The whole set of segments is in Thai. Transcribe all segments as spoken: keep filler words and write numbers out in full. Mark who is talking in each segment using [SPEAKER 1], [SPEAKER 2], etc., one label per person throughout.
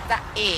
[SPEAKER 1] จะเอ๋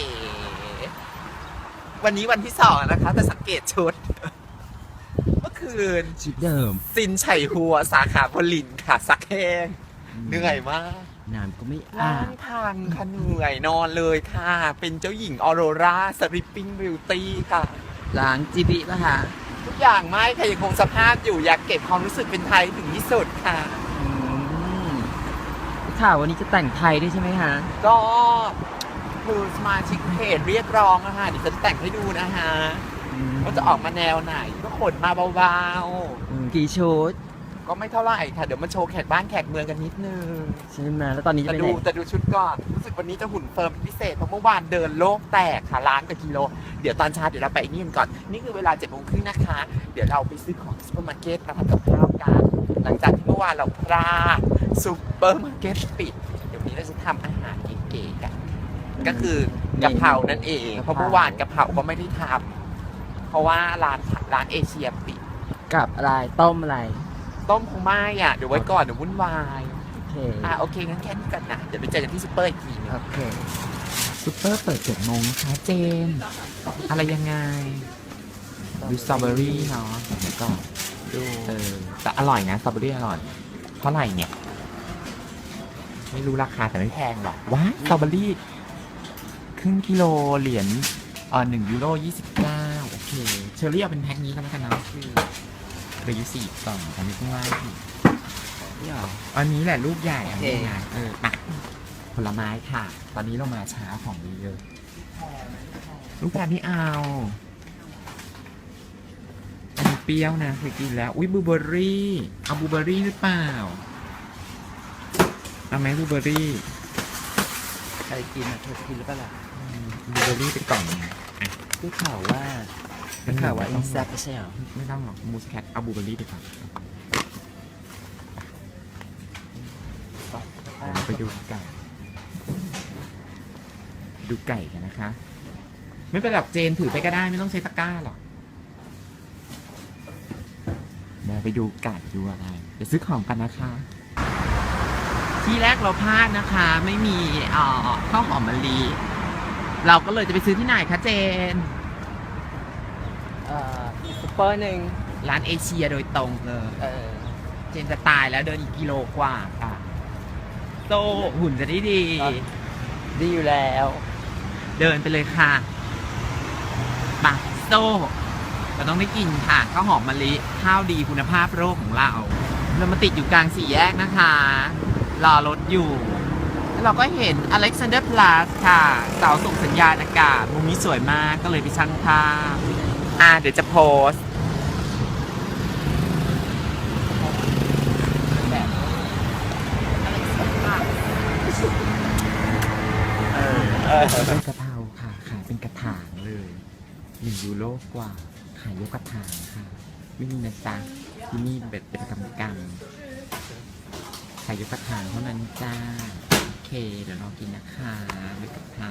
[SPEAKER 1] วันนี้วันที่สองนะคะแต่สังเกตชุด เมื่อคืน
[SPEAKER 2] ชุดเดิม
[SPEAKER 1] ซินไฉหัวสาขาพลินค่ะซักแห้งเหนื่อยมาก
[SPEAKER 2] น้ำก็ไม่อา
[SPEAKER 1] ล้า
[SPEAKER 2] บ
[SPEAKER 1] งทางค่ะเหนื่อยนอนเลยค่ะ เป็นเจ้าหญิงออโรราสลิปปิ้งบิวตี้ค่ะ
[SPEAKER 2] ล้างจีบีป่ะคะ
[SPEAKER 1] ทุกอย่างไม่ค่ะยังคงสภาพอยู่อยากเก็บความรู้สึกเป็นไทยถึงที่สุดค่ะ
[SPEAKER 2] อืมข่าววันนี้จะแต่งไทยด้วยใช่ไหมคะ
[SPEAKER 1] ก็คือสมาชิกเพจเรียกร้องอะค่ะเดี๋ยวจะแต่งให้ดูนะฮะว่าจะออกมาแนวไหนก็ขนมาเบา
[SPEAKER 2] อืมกี่ชุด
[SPEAKER 1] ๆ ก็ไม่เท่าไหร่ค่ะ เดี๋ยวมาโชว์แขกบ้านแขกเมืองกันนิดนึง
[SPEAKER 2] ใช่ไหมแล้วตอนนี้จะ
[SPEAKER 1] แต่
[SPEAKER 2] ไป
[SPEAKER 1] ดู
[SPEAKER 2] ไหน
[SPEAKER 1] แต่ดูชุดก่อน รู้สึกวันนี้จะหุ่นเฟิร์มเป็นพิเศษเพราะเมื่อวานเดินโลกแตกค่ะล้านกว่ากิโล เดี๋ยวตอนเช้าเดี๋ยวเราไปนี่กันก่อน นี่คือเวลาเจ็ดโมงครึ่งนะคะ เดี๋ยวเราไปซื้อของซูเปอร์มาร์เก็ตมาทำกับข้าวกัน หลังจากที่เมื่อวานเราพลาดซูเปอร์มาร์เก็ตปิด เดี๋ยววันนี้เราจะทำอาหารเก๋ๆกัน ก็คือกะเพรานั่นเอง เพราะเมื่อวานกะเพราก็ไม่ได้ทำเพราะว่าร้านร้านเอเชียปิด
[SPEAKER 2] กับอะไรต้มอะไร
[SPEAKER 1] ต้มคงไม่อ่ะ เดี๋ยวไว้ก่อนเดี๋ยววุ่นวาย
[SPEAKER 2] โอเค
[SPEAKER 1] อ่ะโอเคงั้นแค่นี้ก่อนนะ เดี๋ยวไปเจอกันที่ซูเปอร์อีกทีนึง
[SPEAKER 2] โอเค
[SPEAKER 1] ซูเปอร์เปิดเจ็ดโมงนะคะเจน อะไรยังไง ดูสตรอเบอรี่เนาะเดี๋ยวก่อนดูเออแต่อร่อยนะสตรอเบอรี่อร่อยเท่าไหร่เนี่ย ไม่รู้ราคาแต่ไม่แพงหรอกว้ายสตรอเบอรี่ครึ่งกิโลเหรียญเอ่อหนึ่งยูโรยี่สิบเก้าโอเค เชอรี่เอาเป็นแพ็คนี้ก็แล้วกันนะคือเหลืออยู่สี่กล่องอันนี้ข้างล่างอีก
[SPEAKER 2] นี่หรอ
[SPEAKER 1] อันนี้แหละลูกใหญ่อันนี้
[SPEAKER 2] โอเค
[SPEAKER 1] ไงเออมาผลไม้ค่ะ ตอนนี้เรามาช้าของดีเยอะลูกแพรไม่เอา อันนี้เปรี้ยวนะเคยกินแล้ว อุ้ยบลูเบอร์รี่ เอาบลูเบอร์รี่หรือเปล่า เอาไหมบลูเบอร์รี่
[SPEAKER 2] ใครกินอ่ะเธอกินหรือเปล่าล่ะ
[SPEAKER 1] บลูเบอร์รี่เป็นกล่องนะอ่ะ
[SPEAKER 2] ได้ข่าวว่าได้ข่าวว่าอินแซปไม่ใช่เหรอ
[SPEAKER 1] ไม่ต้องหรอกมูสแคทเอาบลูเบอร์รี่ไปก่อนเดี๋ยวเราไปดูไก่ ดูไก่กันนะคะ ไม่เป็นไรหรอกเจนถือไปก็ได้ไม่ต้องใช้ตะกร้าหรอกเดี๋ยวไปดูไก่ดูอะไรเดี๋ยวซื้อของกันนะคะ ที่แรกเราพลาดนะคะ ไม่มีเอ่อข้าวหอมมะลิเราก็เลยจะไปซื้อที่ไหนคะเจน
[SPEAKER 2] เอ่อซุปเปอร์หนึ่ง
[SPEAKER 1] ร้านเอเชียโดยตรงเลย
[SPEAKER 2] เออ
[SPEAKER 1] เจนจะตายแล้วเดินอีกกิโลกว่าค่ะโตหุ่นจะได้ดี
[SPEAKER 2] ดีอยู่แล้ว
[SPEAKER 1] เดินไปเลยค่ะปะโตเราต้องได้กินค่ะข้าวหอมมะลิข้าวดีคุณภาพโลกของเรา เรามาติดอยู่กลางสี่แยกนะคะ รอรถอยู่ แล้วเราก็เห็น Alexander Plus ค่ะ เสาส่งสัญญาณอากาศมุมนี้สวยมากก็เลยไปช่างภาพอ่าเดี๋ยวจะโพสต์เออเออเป็นกะเพราค่ะ ขายเป็นกระถางเลยหนึ่งยูโรกว่า ขายยกกระถางค่ะ ไม่มีนะจ๊ะที่นี่เป็นเป็นกำกำขายยกกระถางเท่านั้นจ้า โอเค เดี๋ยวเรากินนะคะเป็นกะเพรา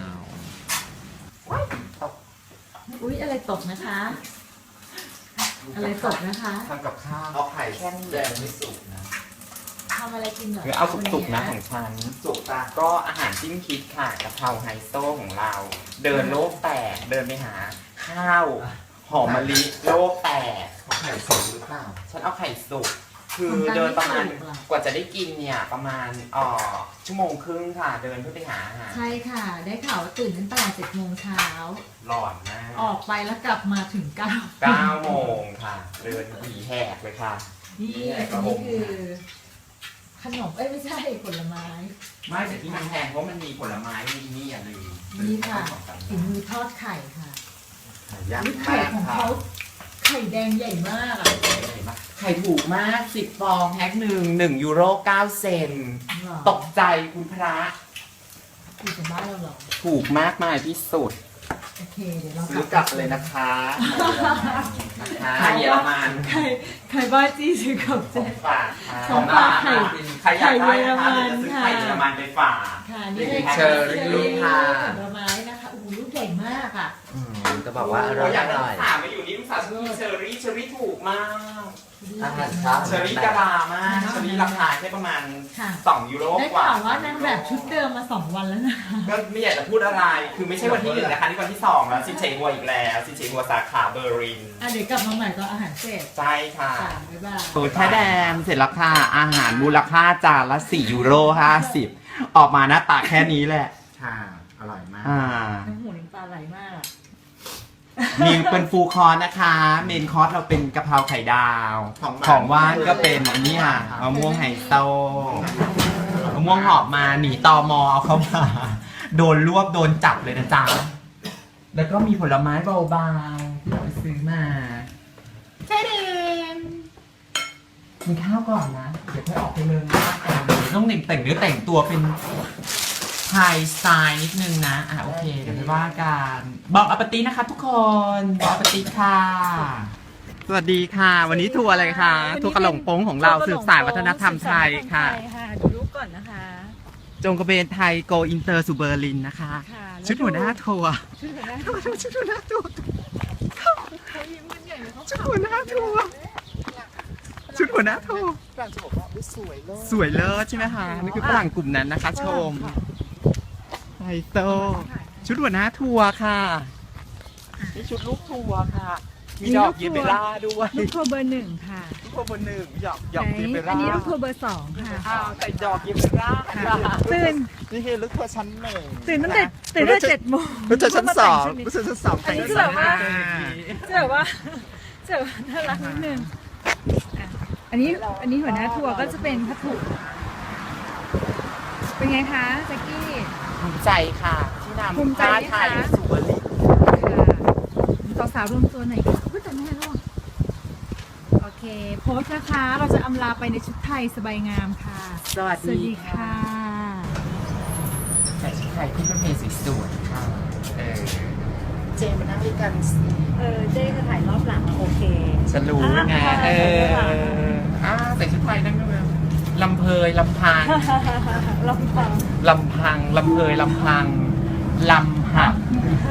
[SPEAKER 3] อุ๊ย อะไรตกนะคะ อะไรตกนะคะ
[SPEAKER 1] ทำกับข้าวเอาไข่แค่แดงไม่สุกนะ
[SPEAKER 3] ทำอะไรกินเหรอ
[SPEAKER 1] คือเอาสุกๆนะ
[SPEAKER 3] วั
[SPEAKER 1] ของฉันสุกตาก็อาหารจิ้มคิดค่ะกะเพราไฮโซของเรา เดินโลกแตกเดินไปหา ข้าวหอมมะลิโลกแตกไข่สุกหรือเปล่าฉันเอาไข่สุกคือเดินประมาณกว่าจะได้กินเนี่ยประมาณเอ่อชั่วโมงครึ่งค่ะ เดินเพื่อไปหาอาหาร
[SPEAKER 3] ใช่ค่ะ ได้ข่าวว่าตื่นตั้งแต่เจ็ดโมงเช้า
[SPEAKER 1] หลอนมาก
[SPEAKER 3] ออกไปแล้วกลับมาถึงเก้า
[SPEAKER 1] เก้าโมงค่ะ เดินหวีแหกเลยค่ะ
[SPEAKER 3] นี่อันนี้คือ ขนม เอ้ย ไม่ใช่ผลไม้
[SPEAKER 1] ไม่แต่ที่มันแพงเพราะมันมีผลไม้มีนี่อย่าลืม
[SPEAKER 3] นี่ค่ะฝีมือทอดไข่ค่ะ
[SPEAKER 1] ยาก
[SPEAKER 3] นี่ไข่
[SPEAKER 1] มาก
[SPEAKER 3] ของ
[SPEAKER 1] ค่ะ
[SPEAKER 3] เขาไข่แดงใหญ่มากอ่ะ
[SPEAKER 1] ไข่ถูกมากสิบฟองแพ็คหนึ่งหนึ่งยูโรเก้าเซนตกใจคุณพระ
[SPEAKER 3] อยู่จากบ้านเราเหรอ
[SPEAKER 1] ถูกมากมายที่สุด
[SPEAKER 3] โอเค เดี๋ยวเรา
[SPEAKER 1] ซื้อกลับเลยนะคะนะคะเยอรมัน
[SPEAKER 3] ไข่ไข่บ้าจี้ซื้อกลับ
[SPEAKER 1] ข
[SPEAKER 3] เจ๊
[SPEAKER 1] องฝากค่ะ
[SPEAKER 3] ของฝากไข่
[SPEAKER 1] ใครอยากได้นะคะ
[SPEAKER 3] ไข่เยอรมัน
[SPEAKER 1] เดี๋ยวจะซื้อไข่เยอรมันไปฝาก
[SPEAKER 3] ค่ะนี่เลย
[SPEAKER 1] เชอรี่ค่ะ
[SPEAKER 3] ผลไม้นะคะโอ้โหลูกใหญ่มากอ่ะ
[SPEAKER 2] จะบอกว่าอร่อย
[SPEAKER 1] อยาก
[SPEAKER 2] อ
[SPEAKER 1] ได้
[SPEAKER 2] ร่อย
[SPEAKER 1] ถามมาอยู่นี่สาชีเชอรี่เชอรี่ถูกมาก
[SPEAKER 2] อาหารเช้า
[SPEAKER 1] เชอรี่กะลามากเชอรี่ราคาแค่ประมาณ
[SPEAKER 3] ค่ะ
[SPEAKER 1] สองยูโร
[SPEAKER 3] ได้
[SPEAKER 1] กว่า
[SPEAKER 3] ข่าวว่านางแบบชุดเดิมมาสองวันแล้วนะ
[SPEAKER 1] ก็ไม่อยากจะพูดอะไร คือไม่ใช่วันที่หนึ่งนะคะนี่วันที่สองแล้วซินเชหัวอีกแล้วซินเชหัวสาขาเบอร์ลิน
[SPEAKER 3] อ่ะเดี๋ยวกลับมาใหม่ตอนอาหารเสร็จ
[SPEAKER 1] ใช่ค่ะ
[SPEAKER 3] ค่ะบ๊ายบาย
[SPEAKER 1] โอ้แท้แดมเสร็จแล้วค่ะอาหารมูลค่าจานละสี่ยูโรห้าสิบออกมาหน้าตาแค่นี้แหละ
[SPEAKER 2] ค่ะอร่อยมาก
[SPEAKER 1] อ่า
[SPEAKER 3] น้ำหูน้ำตาไหลมากอะ
[SPEAKER 1] มีเป็นฟูลคอร์สนะคะ เมนคอร์สเราเป็นกะเพราไข่ดาว ของว่านก็เป็นอันนี้ค่ะมะม่วงไฮโซมะม่วงหอบมาหนีตอมอเอาเข้ามา โดนรวบโดนจับเลยนะจ๊ะ แล้วก็มีผลไม้เบาๆที่เราไปซื้อมาใช่เดมกินข้าวก่อนนะ เดี๋ยวค่อยออกไปเมืองหน้ากันต้องแต่งแต่งเนื้อแต่งตัวเป็นไทยสไตล์นิดนึงนะ อ่ะโอเค เดี๋ยวไปว่ากันบอกอปตินะคะทุกคนบอกอปติค่ะ สวัสดีค่ะ วันนี้ทัวร์อะไรคะทัวร์กระหล่งโป้งของเราสืบสานวัฒนธรรมไทยค่ะ
[SPEAKER 3] ดูรูปก่อนนะคะ
[SPEAKER 1] จงกระเบนไทยโกอินเตอร์สู่เบอร์ลินนะคะ
[SPEAKER 3] ค่ะแล้ว
[SPEAKER 1] ชุดหัวหน้าทัวร์
[SPEAKER 3] ชุดหัวหน้า
[SPEAKER 1] ชุดหัวหน้าทัวร์
[SPEAKER 3] เขายิ้มกันใหญ่เลยเขา
[SPEAKER 1] ชุดหัวหน้าทัวร์ชุดหัวหน้าทัวร์
[SPEAKER 2] ฝรั่งจะบอกว่าอุ๊ยสวยเลย
[SPEAKER 1] สวยเลิศใช่ไหมคะนี่คือฝรั่งกลุ่มนั้นนะคะ ชมไฮโซชุดหัวหน้าทัวร์ค่ะนี่ชุดลูกทัวร์ค่ะ มีดอกเยเบล่าด้วย
[SPEAKER 3] ลูกทัวร์เบอร์หนึ่งค่ะ
[SPEAKER 1] ลูกทัวร์เบอร์หนึ่งหยอกหยอกเยเบ
[SPEAKER 3] อั
[SPEAKER 1] ล่าน
[SPEAKER 3] นี้ลูกทัวร์เบอร์สองค่ะ
[SPEAKER 1] อ้าวใส่ดอกเยเบล่าค่ะ
[SPEAKER 3] ตื่น
[SPEAKER 2] นี่คือลูกทัวร์ชั้นหนึ่ง
[SPEAKER 3] ตื่นตั้งแต่ตื่นตั้งแต่เจ็ดโมง
[SPEAKER 2] ลูกทัวร์ชั้นสองลูกทัวร์ชั้นสอง
[SPEAKER 3] อันนี้คือแบบว่า จะแบบว่าจะแบบว่าน่ารักนิดนึงอ่ะอันนี้อันนี้หัวหน้าทัวร์ก็จะเป็นพัถุเป็นไงคะแจ็คกี้
[SPEAKER 1] ภูมิใจค่ะที่นำ
[SPEAKER 3] ภูมิใจ
[SPEAKER 1] ผ้า
[SPEAKER 3] ไหมคะ
[SPEAKER 1] ไทยสู่เบอร์ลิน
[SPEAKER 3] ค่ะสาวๆรวมตัวหน่อยค่ะพูดแต่แม่ร่วงโอเค โพสต์นะคะ เราจะอำลาไปในชุดไทยสบายงามค่ะ
[SPEAKER 1] สวัส
[SPEAKER 3] สวัส
[SPEAKER 1] ดี
[SPEAKER 3] ดี
[SPEAKER 1] ค่ะ
[SPEAKER 3] ค่ะ
[SPEAKER 1] ใส่ชุดไทยขึ้นรถเมล์สวยๆค่ะเออเจมมานั่งด้วยกันสิ
[SPEAKER 3] เออเจ๊จะถ่ายรอบหลังโอเค
[SPEAKER 1] ฉันรู้ไง
[SPEAKER 3] อ่ะ
[SPEAKER 1] เอออ่าใส่ชุดไทยนั่งด้วยลำเพยลำพัง
[SPEAKER 3] ลองฟัง
[SPEAKER 1] ลำพังลำเพยลำพังลำหัก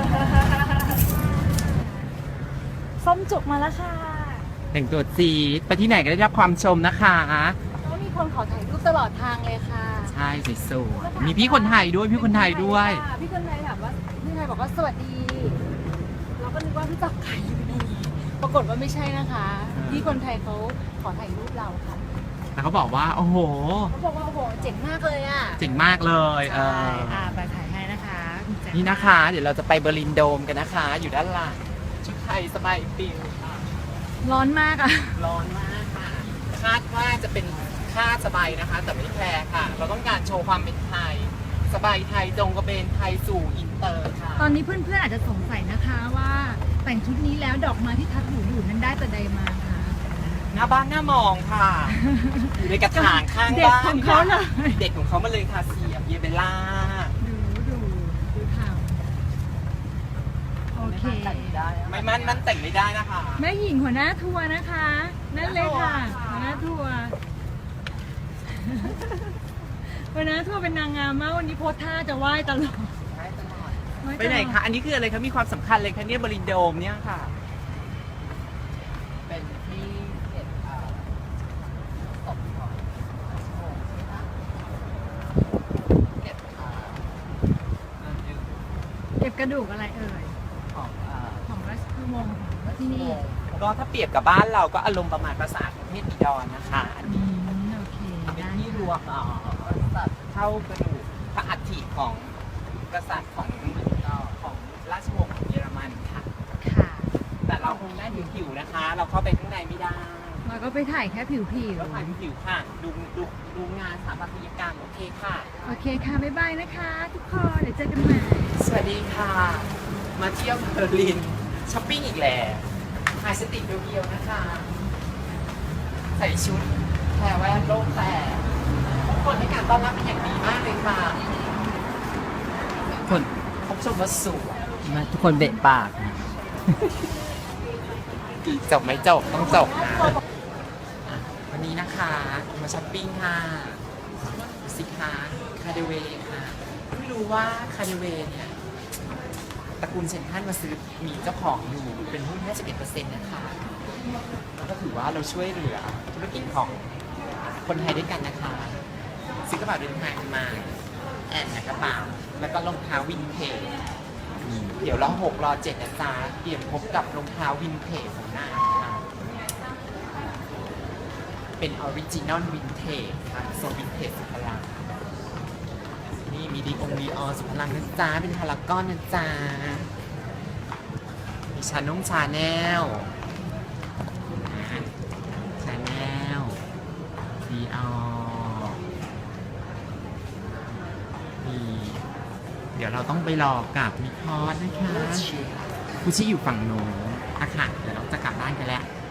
[SPEAKER 3] ส้มจุกมาแล้วค่ะ
[SPEAKER 1] แต่งตัวจีดไปที่ไหนก็ได้รับความชมนะคะ
[SPEAKER 3] ก็มีคนขอถ่ายรูปตลอดทางเลยค่ะ
[SPEAKER 1] ใช่สวยๆมีพี่คนไทยด้วยพี่คนไทยด้วย
[SPEAKER 3] ค่ะพี่คนไทยถามว่าพี่ไทยบอกว่าสวัสดี เราก็นึกว่าพี่จับไก่อยู่ดีปรากฏว่าไม่ใช่นะคะ พี่คนไทยเขาขอถ่ายรูปเราค่ะ
[SPEAKER 1] แล้วเขาบอกว่า โอ้โห
[SPEAKER 3] เขาบอกว่าโอ้โหเจ๋งมากเลยอ่ะ
[SPEAKER 1] เจ๋งมากเลยเอ
[SPEAKER 3] ใช่
[SPEAKER 1] อ
[SPEAKER 3] อ่าไปถ่ายให้นะคะคุณแจ๊
[SPEAKER 1] นี่นะคะ เดี๋ยวเราจะไปเบอร์ลินโดมกันนะคะ อยู่ด้านหลังชุดไทยสบายปิวค่ะ
[SPEAKER 3] ร้อนมากอ่ะ
[SPEAKER 1] ร้อนมากค่ะ คาดว่าจะเป็นค่าสบายนะคะ แต่ไม่แพงค่ะ เราต้องการโชว์ความเป็นไทย สบายไทยจงกระเบนไทยสู่อินเตอร์ค่ะ
[SPEAKER 3] ตอนนี้เพื่อนๆอาจจะสงสัยนะคะว่าแต่งชุดนี้แล้วดอกไม้ที่ทัดหูอยู่นั้นได้แต่ใดมาคะ
[SPEAKER 1] หน้าบ้านหน้ามองค่ะ อยู่ในกระถางข้าง
[SPEAKER 3] เด็ก
[SPEAKER 1] บ้าน
[SPEAKER 3] ของเขาเลย
[SPEAKER 1] เด็กของเขามาเลยค่ะเสียบเยเบล่า
[SPEAKER 3] ดูดูดูทำโอเค
[SPEAKER 1] ไม่มันมันแต่งไม่ได้นะคะ
[SPEAKER 3] แม่หญิงหัวหน้าทัวร์นะคะ นั่นเลยค่ะหัวหน้าทัวร์หัวหน้าทัวร์เป็นนางงามมากวันนี้โพสท่าจะไหว้ตลอดหว้ตลอด
[SPEAKER 1] ไปไหนคะ อันนี้คืออะไรคะ มีความสำคัญเลยคะเนี่ยบรินโดมเนี่ยค่ะ เป็นที่เก็บเอ่อศพของเก็บเอ่อเอ่อ
[SPEAKER 3] เก็บกระดูกอะไรเอ่ย
[SPEAKER 1] ของเอ่อ
[SPEAKER 3] ของราชวงศ์ของที่นี่
[SPEAKER 1] ก็ถ้าเปรียบกับบ้านเราก็อารมณ์ประมาณปราสาทของเทพบิดรนะคะ
[SPEAKER 3] อืมโอเค
[SPEAKER 1] เป็น
[SPEAKER 3] ได้
[SPEAKER 1] ที่รวมเอ่อสัตว์เท่ากระดูกพระอัฐิของกษัตริย์ของเอ่อของราชวงศ์ของเยอรมันค่ะ
[SPEAKER 3] ค่ะ
[SPEAKER 1] แต่เราคงได้ผิวๆนะคะ เราเข้าไปข้างในไม่ได้
[SPEAKER 3] เราก็ไปถ่ายแค่ผิวผิว
[SPEAKER 1] ก็ถ่ายผิวๆค่ะ ดูดูดูงานสถาปัตยกรรมโอเคค่ะ
[SPEAKER 3] โอเคค่ะบ๊ายบายนะคะ ทุกคนเดี๋ยวเจอกันใหม่
[SPEAKER 1] สวัสดีค่ะ มาเที่ยวเบอร์ลินช้อปปิ้งอีกแล้วถ่ายสติกเดียวๆนะคะ ใส่ชุดแพรแว่นโลกแต่ทุกคนให้การต้อนรับเป็นอย่างดีมากเลยค่ะคนพบชมว่าสวย
[SPEAKER 2] มาทุกคนเบะปาก
[SPEAKER 1] จบไหมจบต้องจบนะอ่ะวันนี้นะคะมาช้อปปิ้งค่ะสิคะคาเดเวค่ะไม่รู้ว่าคาเดเวเนี่ยตระกูลเซนทรัลมาซื้อมีเจ้าของอยู่เป็นหุ้น ห้าสิบเอ็ดเปอร์เซ็นต์ นะคะแล้วก็ถือว่าเราช่วยเหลือธุรกิจของคนไทยด้วยกันนะคะซื้อกระเป๋าเดินทางมาแอนนะกระเป๋าแล้วก็รองเท้าวินเทจเดี๋ยวรอหกรอเจ็ดนะจ๊ะเตรียมพบกับรองเท้าวินเทจของหน้าค่ะเป็นออริจินอลวินเทจค่ะโซนวินเทจสุดพลังนี่มีดีองดีออสุดพลังนะจ๊ะเป็นพารากอนนะจ๊ะมีชานุ่งชาแนลชาแนลดีออมีเดี๋ยวเราต้องไปรอกับมิคอสนะคะคุชิอยู่ฝั่งโน้นอะค่ะเดี๋ยวเราจะกลับบ้านกันแล้ว